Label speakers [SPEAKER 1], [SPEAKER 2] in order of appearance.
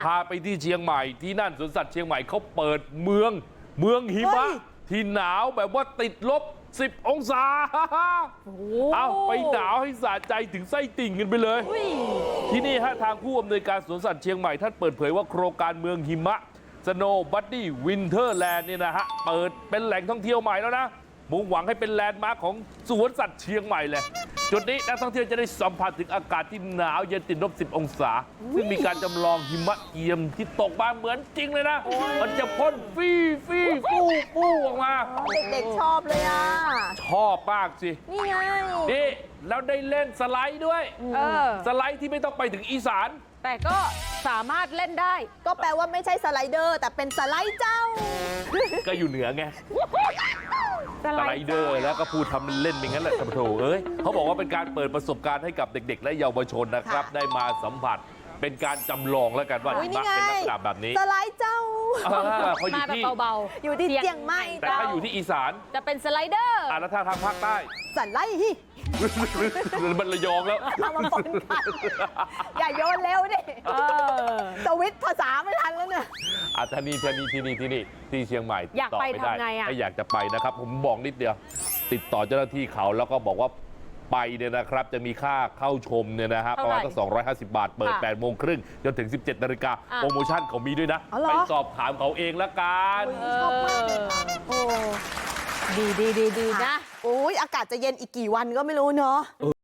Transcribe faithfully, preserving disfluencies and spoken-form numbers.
[SPEAKER 1] พาไปที่เชียงใหม่ที่นั่นสวนสัตว์เชียงใหม่เขาเปิดเมืองเมืองหิมะที่หนาวแบบว่าติดลบสิบองศาเอาไปหนาวให้สะใจถึงไส้ติ่งกันไปเลยที่นี่ฮะทางผู้อำนวยการสวนสัตว์เชียงใหม่ท่านเปิดเผยว่าโครงการเมืองหิมะ Snow Buddy Winterland เนี่ยนะฮะเปิดเป็นแหล่งท่องเที่ยวใหม่แล้วนะมุ่งหวังให้เป็นแลนด์มาร์คของสวนสัตว์เชียงใหม่เลยจุดนี้นักท่องเที่ยวจะได้สัมผัสถึงอากาศที่หนาวเย็นติดลบสิบองศาซึ่งมีการจำลองหิมะเอียมที่ตกมาเหมือนจริงเลยนะมันจะพ่นฟี่ฟี่ฟู่ฟู่ออกมา
[SPEAKER 2] เด็กๆชอบเลยอ่ะ
[SPEAKER 1] ชอบมากสิ
[SPEAKER 2] นี่ไง
[SPEAKER 1] นี่แล้วได้เล่นสไลด์ด้วยสไลด์ที่ไม่ต้องไปถึงอีสาน
[SPEAKER 3] แต่ก็สามารถเล่นได้
[SPEAKER 2] ก็แปลว่าไม่ใช่สไลเดอร์แต่เป็นสไลด์เจ้า
[SPEAKER 1] ก็อยู่เหนือไงสไลเดอร์แล้วก็พูดทำเล่นอย่างนั้นแหละท่านผู้ชมเอ้ยเขาบอกว่าเป็นการเปิดประสบการณ์ให้กับเด็กๆและเยาวชนนะครับได้มาสัมผัสเป็นการจำลองแล้วกันว่าหิมะเป็นลักษณะแบบนี้
[SPEAKER 2] สไลด์เจ้า
[SPEAKER 1] เขาอยู่ที่
[SPEAKER 3] เบา
[SPEAKER 2] ๆอยู่ที่เชียงใหม่
[SPEAKER 1] แต่ถ้าอยู่ที่อีสาน
[SPEAKER 3] จะเป็นสไลเดอร์
[SPEAKER 1] อ่ะแล้วถ้าทางภาคใต้
[SPEAKER 2] สไลด์ฮิ
[SPEAKER 1] มันระยองแล้ว
[SPEAKER 2] เอามาปนกันอย่าโยนเร็วดิสวิตภาษาไม่ทันแล้วเนี่ย
[SPEAKER 1] อ่ะท่านี่ที่นี่ที่นี่ที่นี่ที่เชียงใหม่
[SPEAKER 3] อยากไปทำไงอ่ะ
[SPEAKER 1] ถ้าอยากจะไปนะครับผมบอกนิดเดียวติดต่อเจ้าหน้าที่เขาแล้วก็บอกว่าไปเนี่ยนะครับจะมีค่าเข้าชมเนี่ยนะฮะประมาณตั้งสองร้อยห้าสิบบาทเปิดแปดโมงครึ่งจนถึงสิบเจ็ดนาฬิกาโปรโมชั่นเขามีด้วยนะไปสอบถามเขาเองละกัน
[SPEAKER 2] ชอบมากเลยโอ้
[SPEAKER 3] ดีดีดีดีนะ
[SPEAKER 2] โอ้ยอากาศจะเย็นอีกกี่วันก็ไม่รู้เนาะ